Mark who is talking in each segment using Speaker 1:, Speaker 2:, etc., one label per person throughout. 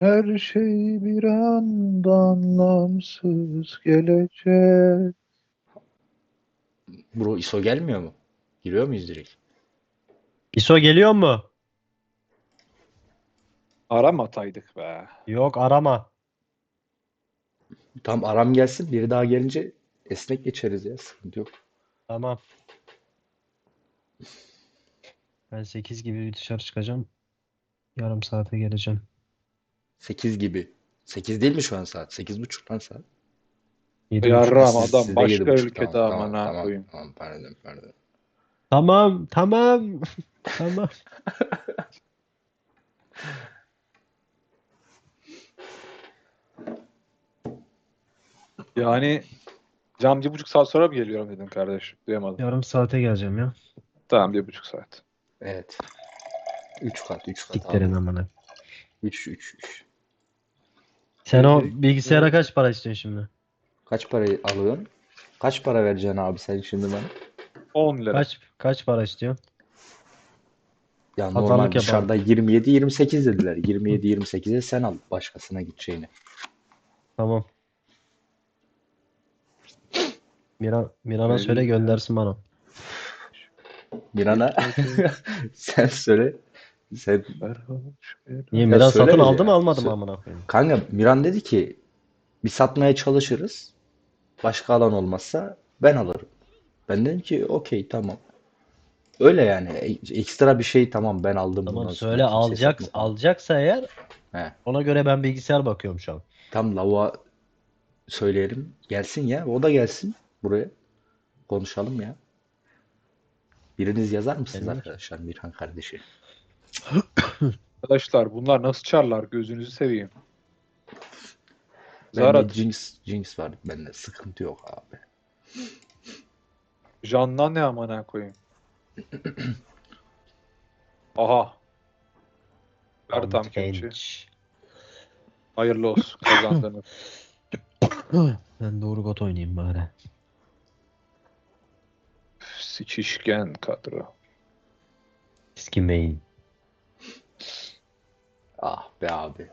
Speaker 1: Her şey bir anda anlamsız gelecek.
Speaker 2: Bro ISO gelmiyor mu? Giriyor muyuz direkt?
Speaker 3: ISO geliyor mu?
Speaker 1: Aramataydık be.
Speaker 3: Yok arama.
Speaker 2: Tam aram gelsin. Biri daha gelince esnek geçeriz ya. Sıkıntı yok.
Speaker 3: Tamam. Ben 8 gibi dışarı çıkacağım. Yarım saate geleceğim.
Speaker 2: 8 gibi. 8 değil mi şu an saat? 8.30 lan saat.
Speaker 3: 7.30.
Speaker 1: Yarram
Speaker 2: Siz,
Speaker 1: adam
Speaker 2: sizde
Speaker 1: başka
Speaker 2: 7.30. Tamam
Speaker 1: ülkede
Speaker 2: tamam
Speaker 1: amına
Speaker 2: tamam.
Speaker 1: koyayım.
Speaker 2: Tamam pardon pardon.
Speaker 3: Tamam, tamam. Tamam.
Speaker 1: Yani Can 1,5 saat sonra mı geliyorum dedin kardeş? Duyamadım.
Speaker 3: Yarım saate geleceğim ya.
Speaker 1: Tamam 1,5 saat.
Speaker 2: Evet. 3 kat 3 kat
Speaker 3: Siktirin
Speaker 2: abi.
Speaker 3: amına.
Speaker 2: 3 3 3.
Speaker 3: Sen o bilgisayara kaç para istiyorsun şimdi?
Speaker 2: Kaç parayı alıyorsun? Kaç para vereceksin abi sen şimdi bana?
Speaker 1: 10 lira.
Speaker 3: Kaç para istiyorsun?
Speaker 2: Ya
Speaker 3: Pazarlık
Speaker 2: normal
Speaker 3: yapalım.
Speaker 2: dışarıda 27-28 dediler. 27-28'e sen al başkasına gideceğini.
Speaker 3: Tamam. Miran'a söyle
Speaker 1: Belli.
Speaker 3: göndersin bana.
Speaker 2: Miran'a sen söyle. Sen
Speaker 3: Niye
Speaker 2: ya
Speaker 3: Miran satın
Speaker 2: söyleriz
Speaker 3: aldı mı
Speaker 2: ya.
Speaker 3: almadı mı amına koyayım?
Speaker 2: Kanka Miran dedi ki bir satmaya çalışırız. Başka alan olmazsa ben alırım. Ben dedim ki okey tamam. Öyle yani. Ekstra bir şey tamam ben aldım
Speaker 3: Tamam
Speaker 2: bundan sonra
Speaker 3: söyle
Speaker 2: kimseye satma falan.
Speaker 3: alacaksa eğer
Speaker 2: He.
Speaker 3: ona göre ben bilgisayar bakıyorum şu an.
Speaker 2: Tam lavuğa söyleyelim. Gelsin ya. O da gelsin buraya. Konuşalım ya. Biriniz yazar mısınız
Speaker 3: Gelmiyor ki.
Speaker 2: arkadaşlar Mirhan kardeşi?
Speaker 1: Arkadaşlar bunlar nasıl çarlar gözünüzü seveyim.
Speaker 2: Bende
Speaker 1: Zarat.
Speaker 2: Jinx var. Bende sıkıntı yok abi.
Speaker 1: Candan ne amına koyayım. Aha. Ver tam kelepçeyi.
Speaker 3: Genç.
Speaker 1: Hayırlı olsun kazandınız.
Speaker 3: Ben doğru got oynayayım bari.
Speaker 1: Sikişken kadro.
Speaker 3: Eski main.
Speaker 2: Ah be abi.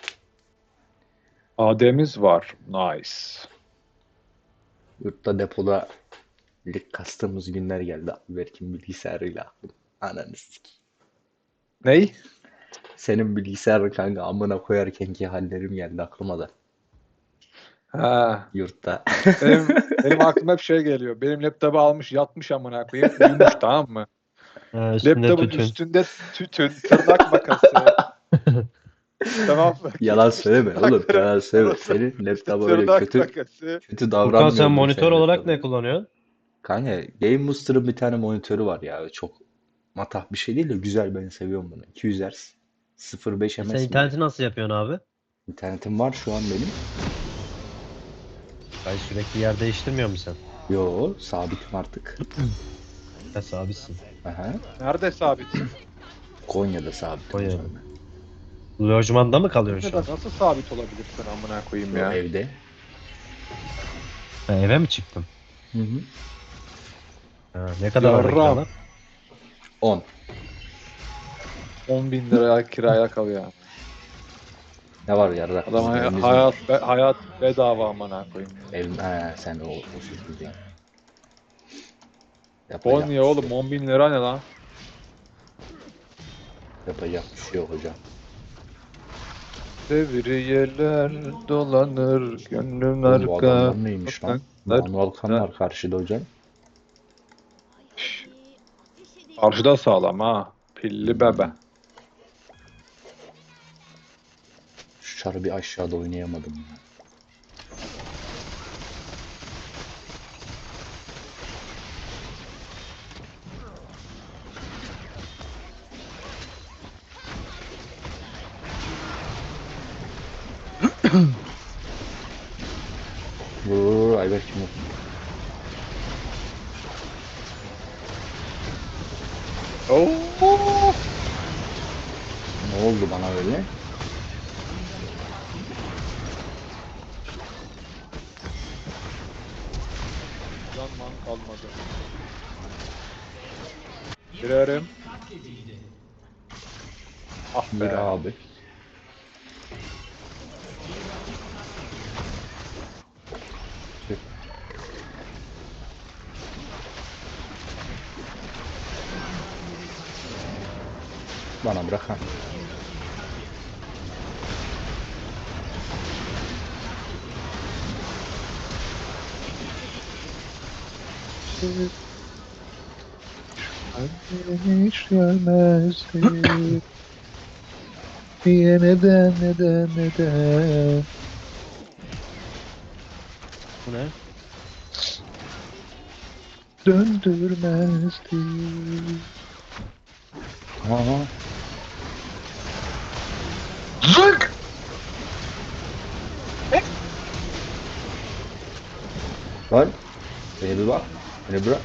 Speaker 1: Ademiz var. Nice.
Speaker 2: Yurtta depoda lig kastığımız günler geldi. Berk'in bilgisayarıyla aklım. Ananı sikeyim.
Speaker 1: Ney?
Speaker 2: Senin bilgisayarın kanka amına koyarkenki hallerim geldi aklıma da.
Speaker 1: Ha.
Speaker 2: Yurtta.
Speaker 1: Benim aklıma hep şey geliyor. Benim laptopu almış yatmış amına koyayım. Uyumuş tamam mı?
Speaker 3: Üstünde
Speaker 1: Laptopun
Speaker 3: tütün.
Speaker 1: üstünde tütün, tırnak makası. Tamam mı?
Speaker 2: Yalan
Speaker 1: Gitmiş
Speaker 2: söyleme oğlum.
Speaker 1: tırnakları.
Speaker 2: Yalan söyleme. Senin laptopa öyle
Speaker 1: Tırnak
Speaker 2: kötü
Speaker 1: makası.
Speaker 2: kötü
Speaker 3: Furkan sen
Speaker 2: davranmıyordur
Speaker 3: monitör
Speaker 2: senin
Speaker 3: olarak
Speaker 2: laptopa.
Speaker 3: ne kullanıyorsun?
Speaker 2: Kanka Game Booster'ın bir tane monitörü var ya. Çok matah bir şey değil de güzel ben seviyorum bunu. 200 Hz 0.5
Speaker 3: Sen
Speaker 2: ms miydi?
Speaker 3: interneti nasıl yapıyorsun abi?
Speaker 2: İnternetim var şu an benim.
Speaker 3: Ben sürekli yer değiştirmiyor musun
Speaker 2: Yo sabitim artık.
Speaker 3: sen? Ha sabitsin.
Speaker 2: Aha.
Speaker 1: Nerede sabitsin?
Speaker 2: Konya'da sabitim o
Speaker 3: Koy
Speaker 2: zaman
Speaker 3: yani.
Speaker 2: ben.
Speaker 3: Lojmanda mı kalıyorsun şu
Speaker 1: Konya'da
Speaker 3: an?
Speaker 1: nasıl sabit olabilirsin amına koyayım
Speaker 2: Yo
Speaker 1: ya?
Speaker 2: evde.
Speaker 3: Ha, eve mi çıktın?
Speaker 2: Hı hı.
Speaker 3: Ha, ne kadar orada
Speaker 1: Yarram.
Speaker 3: kiralar?
Speaker 2: 10.
Speaker 1: 10 bin liraya kiraya kalıyor.
Speaker 2: Ne var yarrak
Speaker 1: Adam
Speaker 2: bizim evimiz mi var?
Speaker 1: hayat bedava amına koyayım.
Speaker 2: Ev, he, sen o şekilde yapacak
Speaker 1: Konya
Speaker 2: bir şey
Speaker 1: oğlum
Speaker 2: yok.
Speaker 1: 10 bin lira ne lan?
Speaker 2: Yapacak bir şey yok hocam.
Speaker 1: Devriyeler dolanır gönlüm
Speaker 2: Oğlum bu
Speaker 1: arka
Speaker 2: adamlar neymiş lan?
Speaker 1: sokaklar.
Speaker 2: Manuel kan var karşıda hocam.
Speaker 1: Karşıda sağlam ha. Pilli bebe.
Speaker 2: Şu çarı bir aşağıda oynayamadım ya. Vur Ayber kim o?
Speaker 1: Oo!
Speaker 2: Ne oldu bana öyle?
Speaker 1: Can man kalmadı. Girerim. Ah
Speaker 2: Gir
Speaker 1: be.
Speaker 2: abi. Bana bırak ha.
Speaker 1: Annem hiç gelmezdi. Niye neden?
Speaker 3: Bu ne?
Speaker 1: Döndürmezdi.
Speaker 2: Aha.
Speaker 1: Zık!
Speaker 2: Lan. Beni bir bak. Beni bırak.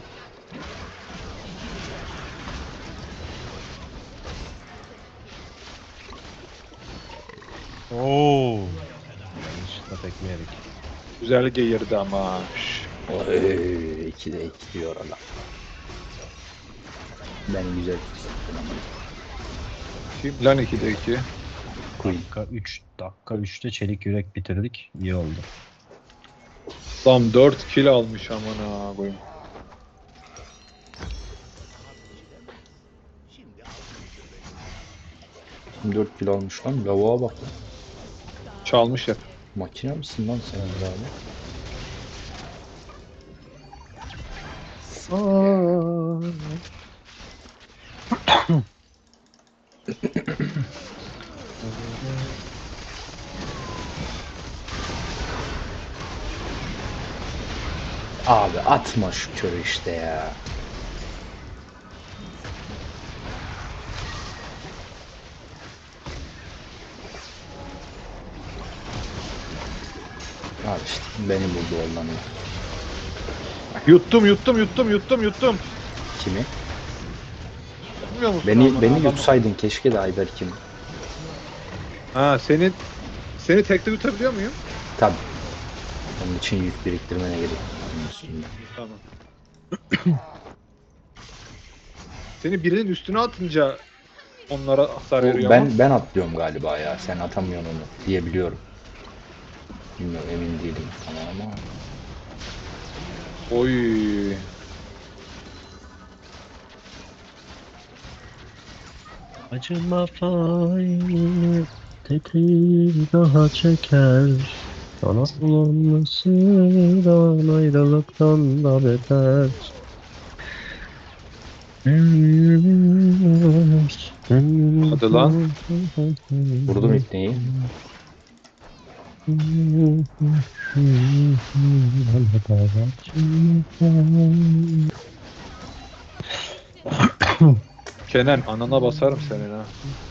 Speaker 3: Oo. Yanlışlıkla tekme yedik.
Speaker 1: Güzel geğirdi ama. Şş.
Speaker 2: Oy, 2'de 2 diyor adam. Ben güzel hissettim ama.
Speaker 1: Kim lan 2'de 2?
Speaker 2: Queen.
Speaker 3: Dakika 3'te çelik yürek bitirdik. İyi oldu.
Speaker 1: Tam 4 kill almış amına koyayım.
Speaker 2: Kim 4 kilo almış lan? Lavuğa bak lan.
Speaker 1: Çalmış hep.
Speaker 2: Makine misin lan sen abi? Abi atma şu körü işte ya. Abi işte beni buldu ondan.
Speaker 1: Yuttum.
Speaker 2: Kimi?
Speaker 1: Bilmiyor musun
Speaker 2: Beni
Speaker 1: amına
Speaker 2: beni
Speaker 1: adam?
Speaker 2: yutsaydın keşke de Ayberk'im.
Speaker 1: Ha seni tekte yutabiliyor muyum?
Speaker 2: Tabii. Onun için yük biriktirmene gerek yok. Onun üstünde.
Speaker 1: Tamam. Seni birinin üstüne atınca onlara hasar
Speaker 2: O,
Speaker 1: veriyor ama.
Speaker 2: ben atlıyorum galiba ya. Sen atamıyorsun onu diyebiliyorum. Bilmiyorum emin değilim tamam ama.
Speaker 1: Oy.
Speaker 3: Acıma faili tetiği daha çeker. Sana bulanmasından ayrılıktan da beter.
Speaker 1: Hadi lan.
Speaker 2: Vurdum ipneyi.
Speaker 1: Kenan anana basarım senin ha.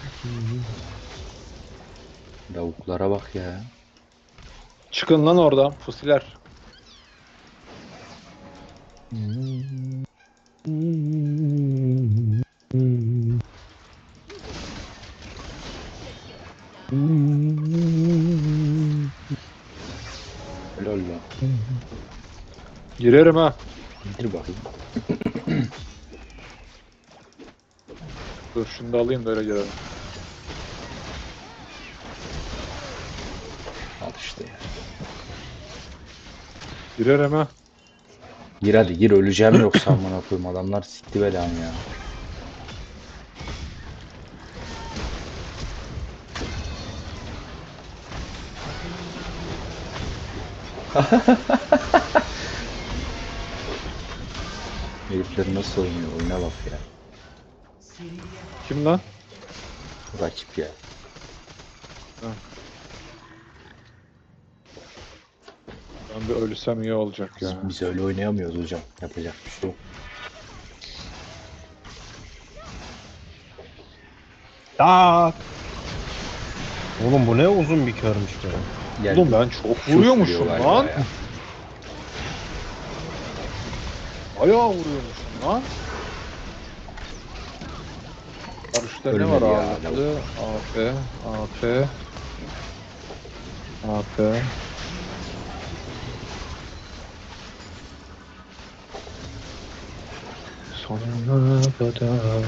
Speaker 2: Lavuklara bak ya.
Speaker 1: Çıkın lan oradan fusiler.
Speaker 2: Helal lan.
Speaker 1: Girerim ha.
Speaker 2: İndir bakayım.
Speaker 1: Dur şunu da alayım da öyle girerim.
Speaker 2: Al işte ya.
Speaker 1: Girerim ha.
Speaker 2: Gir hadi gir öleceğim yoksa amına koyayım adamlar sikti belamı ya. Herifler nasıl oynuyor oyuna bak ya.
Speaker 1: Kim lan?
Speaker 2: Rakip ya.
Speaker 1: Ben bir ölüsem iyi olacak ya.
Speaker 2: Biz öyle oynayamıyoruz hocam. Yapacak bir şey yok.
Speaker 3: Tak! Oğlum bu ne uzun bir körmüş be.
Speaker 2: Gel
Speaker 1: Oğlum
Speaker 2: bir-
Speaker 1: ben çok
Speaker 2: Şu
Speaker 1: vuruyormuşum
Speaker 2: vuruyor galiba
Speaker 1: lan.
Speaker 2: ya.
Speaker 1: Bayağı vuruyormuşum lan. Karışta ne var
Speaker 2: Ölmedi ya,
Speaker 1: ağırlıklı? AP, AP, AP. Sonuna kadar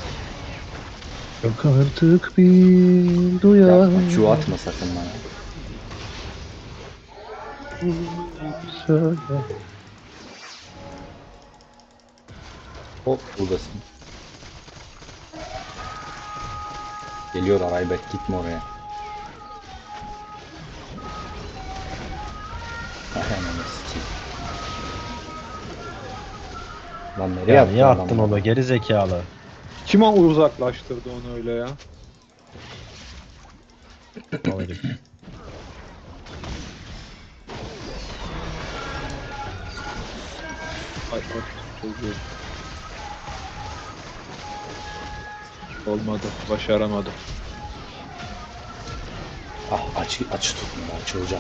Speaker 1: yok artık bir duyan
Speaker 2: Yapma Q atma sakın bana.
Speaker 1: söyle.
Speaker 2: Hop buradasın. Geliyorlar Ayberk, gitme oraya. Ananı sikeyim. Lan nereye
Speaker 3: Ya
Speaker 2: attı
Speaker 3: niye
Speaker 2: adam
Speaker 3: attın
Speaker 2: ya?
Speaker 3: onu geri zekalı?
Speaker 1: Kim o uzaklaştırdı onu öyle ya?
Speaker 3: Mal herif.
Speaker 1: Ay, ay, çocuğu. Olmadı. Başaramadım.
Speaker 2: Ah, aç tutmuyor, açılacağım.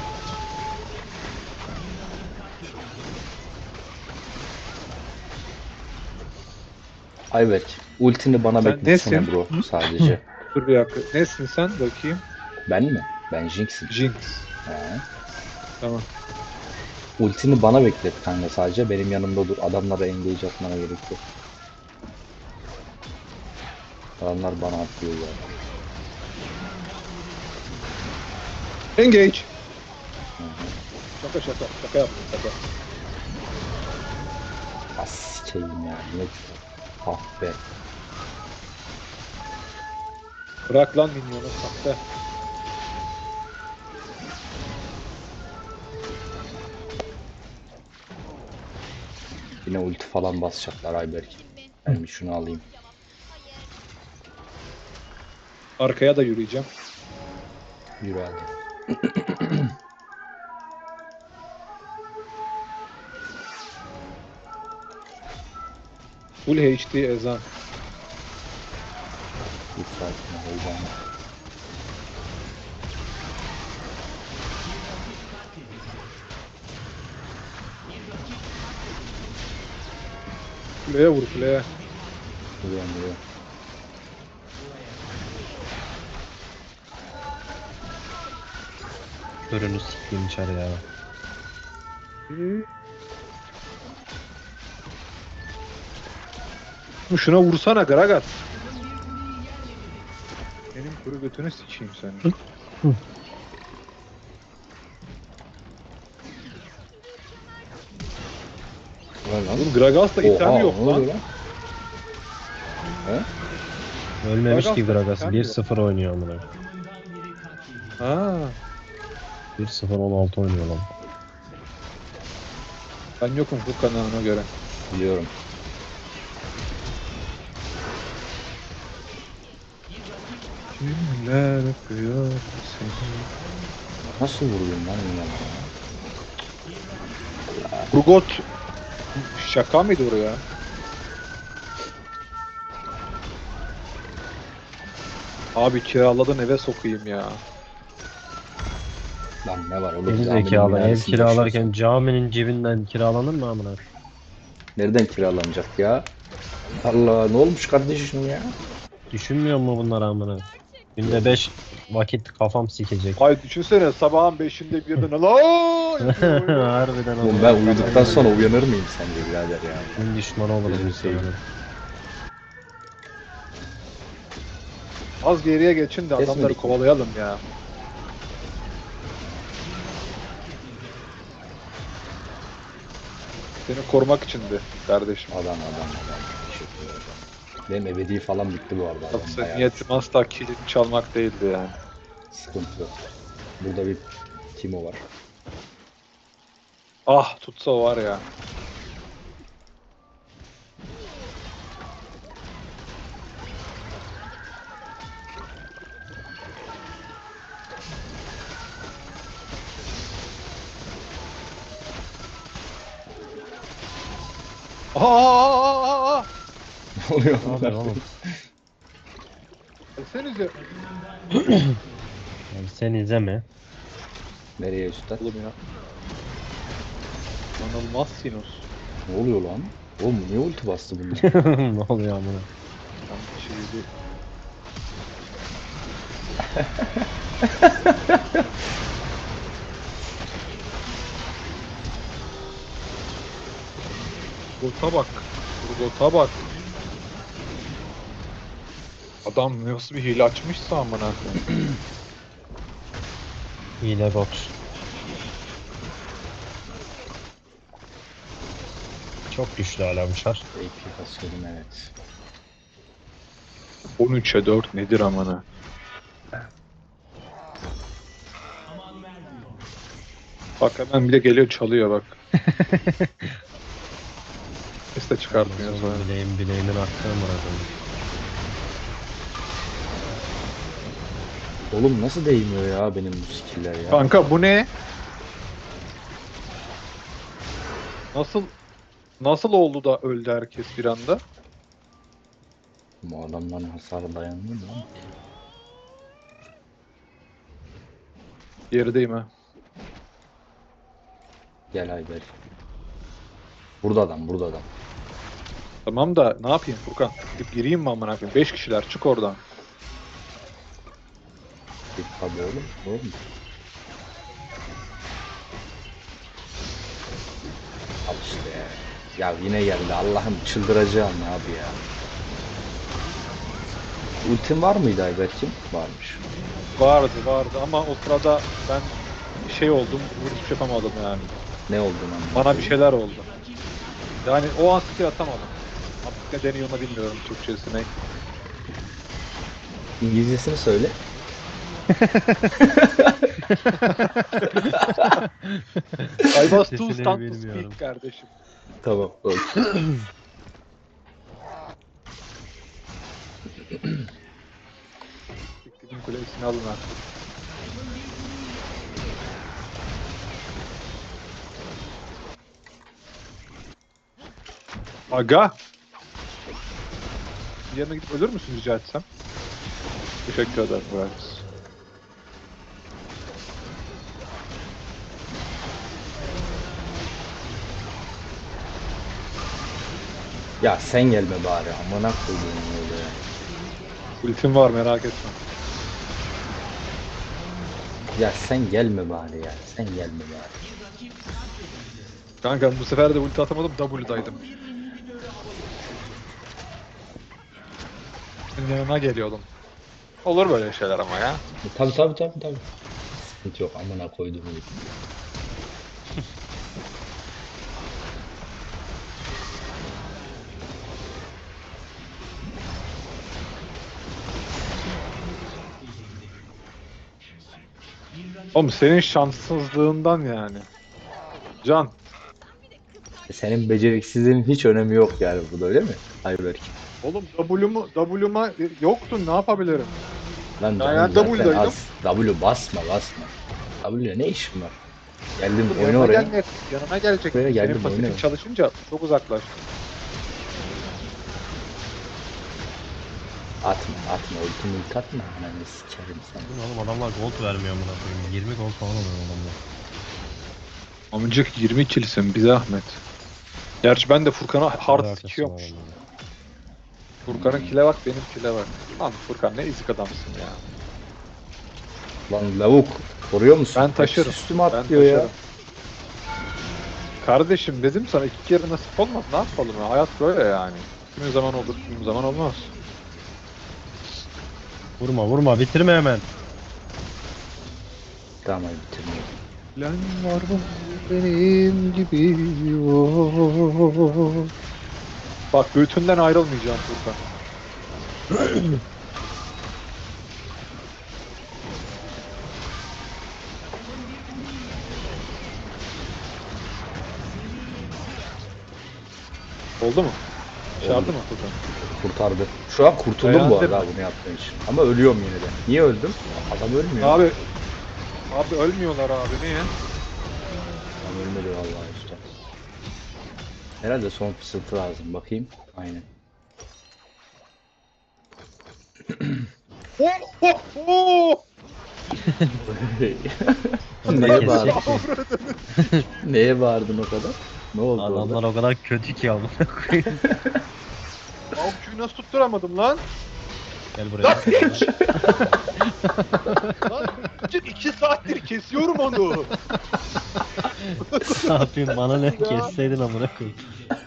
Speaker 2: Ayberk, ultini bana
Speaker 1: Sen
Speaker 2: bekletsene
Speaker 1: nesin?
Speaker 2: bro sadece.
Speaker 1: Dur bir dakika. Nesin sen? Bakayım.
Speaker 2: Ben mi? Ben Jinx'im.
Speaker 1: Jinx.
Speaker 2: He.
Speaker 1: Tamam.
Speaker 2: Ultini bana beklet kanka sadece. Benim yanımda dur. Adamlara engage atmana gerek yok. Adamlar bana atıyor ya.
Speaker 1: Engage. Şaka şaka. Şaka yaptım. Şaka.
Speaker 2: As sikeyim ya. Ne? Ah be.
Speaker 1: Bırak lan minyonu. Sahte.
Speaker 2: Yine ulti falan basacaklar Ayberk. Ben bir şunu alayım.
Speaker 1: Arkaya da yürüyeceğim.
Speaker 2: Yürü hadi.
Speaker 1: Full HD ezan.
Speaker 2: Hiç sakin ol, heyecanlı.
Speaker 1: Kuleye vur kuleye.
Speaker 2: Vuruyorum vuruyorum.
Speaker 3: Ürünü sikeyim içeri ya.
Speaker 1: Şuna vursana Gragas. Benim kuru götünü sikeyim seni.
Speaker 2: Ulan lan.
Speaker 1: Oğlum Gragas'ta item
Speaker 2: Oha,
Speaker 1: yok
Speaker 2: ne oluyor
Speaker 1: lan.
Speaker 2: lan? He?
Speaker 3: Ölmemiş ki
Speaker 1: Gragas'ta
Speaker 3: Gragas.
Speaker 1: item yok.
Speaker 3: 1-0 oynuyor amına.
Speaker 1: Ha,
Speaker 3: 1-0 16 oynuyor lan.
Speaker 1: ben yokum Furkan'a ona göre.
Speaker 2: Biliyorum.
Speaker 1: Kimler öpüyor seni?
Speaker 2: Nasıl vuruyorum lan bunları?
Speaker 1: Urgot şaka mıydı oraya? Abi kiraladın eve sokayım ya.
Speaker 2: Lan ne var oğlum?
Speaker 3: Geri
Speaker 2: Caminin
Speaker 3: zekalı ev
Speaker 2: minarasında
Speaker 3: kiralarken
Speaker 2: yaşıyorsun.
Speaker 3: caminin cebinden kiralanır mı amına?
Speaker 2: Nereden kiralanacak ya? Allah, ne olmuş kardeşim ya?
Speaker 3: Düşünmüyor mu bunlar amına? Günde 5 vakit kafam sikecek.
Speaker 1: Ay düşünsene sabahın 5'inde birden la yapıyor böyle.
Speaker 3: Harbiden
Speaker 2: Oğlum
Speaker 3: amına.
Speaker 2: ben
Speaker 3: kafayı
Speaker 2: uyuduktan sonra
Speaker 3: yiyeceğim.
Speaker 2: uyanır mıyım sence birader ya?
Speaker 3: Din düşmanı olurum
Speaker 2: Gözünü
Speaker 3: muhtemelen.
Speaker 2: seveyim.
Speaker 1: Az geriye geçin de adamları
Speaker 2: Kesmedik mi?
Speaker 1: kovalayalım ya. Seni korumak içindi kardeşim.
Speaker 2: Adam. Teşekkür ederim. Benim ebedi falan bitti bu arada. Adam
Speaker 1: Yoksa
Speaker 2: bayağı
Speaker 1: niyetim
Speaker 2: düştü.
Speaker 1: asla kilimi çalmak değildi yani.
Speaker 2: Sıkıntı yok. Burada bir Timo var.
Speaker 1: Ah tutsa var ya. Aa!
Speaker 2: Ne oluyor?
Speaker 3: Ne yapıyorsun oğlum?
Speaker 1: Gelsenize.
Speaker 3: Yani sen izleme.
Speaker 2: Nereye üstad?
Speaker 1: Oğlum ya. İnanılmaz sinus.
Speaker 2: Ne oluyor lan? Oğlum niye ulti bastı bunlar?
Speaker 3: Ne oluyor amına?
Speaker 1: Ben şimdi Urgot'a bak. Urgot'a bak. Adam nasıl bir hile açmışsa amına koyayım.
Speaker 3: Hile bot. Çok güçlü hala bu şar.
Speaker 2: AP kasıyordum evet.
Speaker 1: 13'e 4 nedir amına? Bak hemen bir de geliyor çalıyor bak. Ses de çıkartmıyor
Speaker 3: Yalnız
Speaker 1: sonra.
Speaker 3: oğlum bileğimin hakkı amına koyayım.
Speaker 2: Oğlum nasıl değmiyor ya benim bu skiller ya?
Speaker 1: Kanka bu ne? Nasıl oldu da öldü herkes bir anda?
Speaker 2: Bu adamların hasarı dayanmıyor mu?
Speaker 1: Gerideyim ha.
Speaker 2: Gel Ayber. Burada adam, burada adam.
Speaker 1: Tamam da ne yapayım Furkan? Gidip gireyim mi amına koyayım? 5 kişiler çık oradan.
Speaker 2: Git tabii oğlum. Oğlum. Al işte ya. Ya yine geldi. Allah'ım çıldıracağım abi ya. Ultin var mıydı Ayberk'in? Varmış.
Speaker 1: Vardı ama o sırada ben şey oldum, hiçbir şey yapamadım yani.
Speaker 2: Ne oldu lan?
Speaker 1: Bana bir şeyler oldu. Yani o an skill atamadım. Artık ne deniyor onu bilmiyorum Türkçesine.
Speaker 2: İngilizcesini söyle.
Speaker 1: I was too
Speaker 3: Sesini
Speaker 1: stunned to
Speaker 3: bilmiyorum.
Speaker 1: speak kardeşim.
Speaker 2: Tamam. Okey.
Speaker 1: Beklediğim kulesini alın artık. Aga! Bir yanına gidip ölür müsün rica etsem? Teşekkür ederim Brightness.
Speaker 2: Ya sen gelme bari. Amına koyduğum öyle ya.
Speaker 1: Ultim var merak etme.
Speaker 2: Ya sen gelme bari ya. Sen gelme bari.
Speaker 1: Kanka bu sefer de ulti atamadım W'daydım. Senin yanına geliyordum. Olur böyle şeyler ama ya.
Speaker 2: Tabii. Sıkıntı yok. Amına koyduğum gibi.
Speaker 1: Oğlum senin şanssızlığından yani. Can.
Speaker 2: Senin beceriksizliğin hiç önemi yok yani burada öyle mi? Ayberk.
Speaker 1: Oğlum W'ma yoktun ne yapabilirim?
Speaker 2: Lan
Speaker 1: Ya
Speaker 2: canım
Speaker 1: yani
Speaker 2: zaten
Speaker 1: W'daydım.
Speaker 2: az. W basma. W'ye ne işin var? Geldim oyna
Speaker 1: Yanına
Speaker 2: oraya.
Speaker 1: gelme. Yanına gelecek.
Speaker 2: Buraya
Speaker 1: Senin
Speaker 2: geldim,
Speaker 1: pasifin
Speaker 2: oyna.
Speaker 1: çalışınca çok uzaklaştın.
Speaker 2: Atma ultimate atma. Ananı sikerim seni.
Speaker 3: Bu ne oğlum, adamlar gold vermiyor amına koyayım. 20 gold falan alıyor adamlar.
Speaker 1: Amcık 20 kilsin bir zahmet. Gerçi ben de Furkan'a hard
Speaker 3: Alakası
Speaker 1: sikiyormuş.
Speaker 3: var adamların.
Speaker 1: Furkan'ın kile bak benim kile bak. Lan Furkan ne ezik adamsın ya.
Speaker 2: Lan lavuk. Koruyor musun?
Speaker 1: Ben taşırım.
Speaker 2: Hepsi üstüme
Speaker 1: Ben
Speaker 2: atlıyor ya.
Speaker 1: taşırım. Kardeşim dedim sana 2 kere nasip olmaz. Ne yapalım ya? Hayat böyle yani. Kimi zaman olur, kimi zaman olmaz.
Speaker 3: Vurma bitirme hemen.
Speaker 2: Tamam hadi bitirmiyorum.
Speaker 1: Lan var mı benim gibi? Oo. Bak göğtünden ayrılmayacağım Furkan. Oldu mu? Başardı mı Furkan?
Speaker 2: Kurtardı. Şu an kurtuldum bu
Speaker 1: Beğendin
Speaker 2: arada
Speaker 1: mi?
Speaker 2: bunu yaptığım için. Ama ölüyorum yine de. Niye öldüm? Adam ölmüyor.
Speaker 1: Abi ölmüyorlar abi niye?
Speaker 2: Adam ölmedi vallahi usta. Herhalde son fısıltı lazım. Bakayım. Aynen.
Speaker 1: Oh, oh, oh!
Speaker 2: Neye
Speaker 3: Kesecek
Speaker 2: bağırdın?
Speaker 3: mi?
Speaker 2: Neye bağırdın o kadar? Ne oldu
Speaker 3: Adamlar
Speaker 2: orada?
Speaker 3: o kadar kötü ki amına koyayım.
Speaker 1: Avcıyı nasıl tutturamadım lan?
Speaker 3: Gel
Speaker 1: Lan
Speaker 3: buraya.
Speaker 1: piç! Lan 2 saattir kesiyorum onu.
Speaker 3: Ne yapayım, bana ne,
Speaker 1: Ya.
Speaker 3: kesseydin amına koyayım.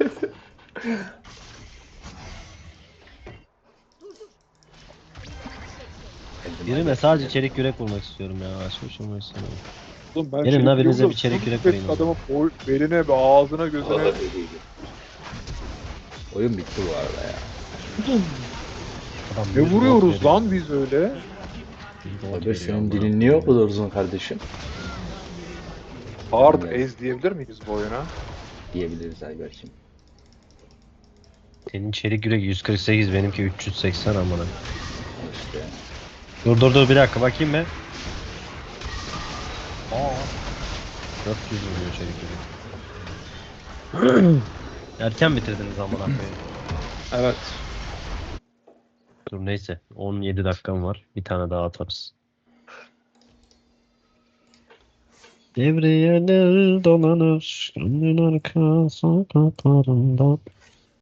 Speaker 3: Birine sadece çelik yürek vurmak istiyorum ya. Başka bir şey vurmak istemiyorum.
Speaker 1: Oğlum ben
Speaker 3: Gelin lan, birinize bir
Speaker 1: çelik
Speaker 3: çelik
Speaker 1: yumruk
Speaker 3: yürek vurayım o
Speaker 1: adamın
Speaker 3: zaman.
Speaker 1: beline, ağzına, gözüne.
Speaker 2: Vallahi öyleydi. Oyun bitti bu arada ya.
Speaker 3: Adam
Speaker 1: Ne
Speaker 3: 100 gold
Speaker 1: vuruyoruz
Speaker 3: veriyor.
Speaker 1: lan biz öyle?
Speaker 3: 100 gold
Speaker 2: Abi
Speaker 3: veriyor
Speaker 2: senin
Speaker 3: amına
Speaker 2: dilin niye o
Speaker 3: koyayım.
Speaker 2: kadar uzun kardeşim?
Speaker 1: Hard
Speaker 2: Yani
Speaker 1: Ace diyebilir miyiz bu oyuna?
Speaker 2: diyebiliriz Ayberk'cim.
Speaker 3: Senin çelik yürek 148, benimki 380 amına.
Speaker 2: İşte
Speaker 3: Dur bir dakika bakayım be. Aa. 400 vuruyor çelik yürek. Erken bitirdiniz amına koyayım.
Speaker 1: Evet.
Speaker 3: Dur neyse 17 dakikam var. Bir tane daha atarız. Devriyeler dolanır gönlün arka sokaklarında.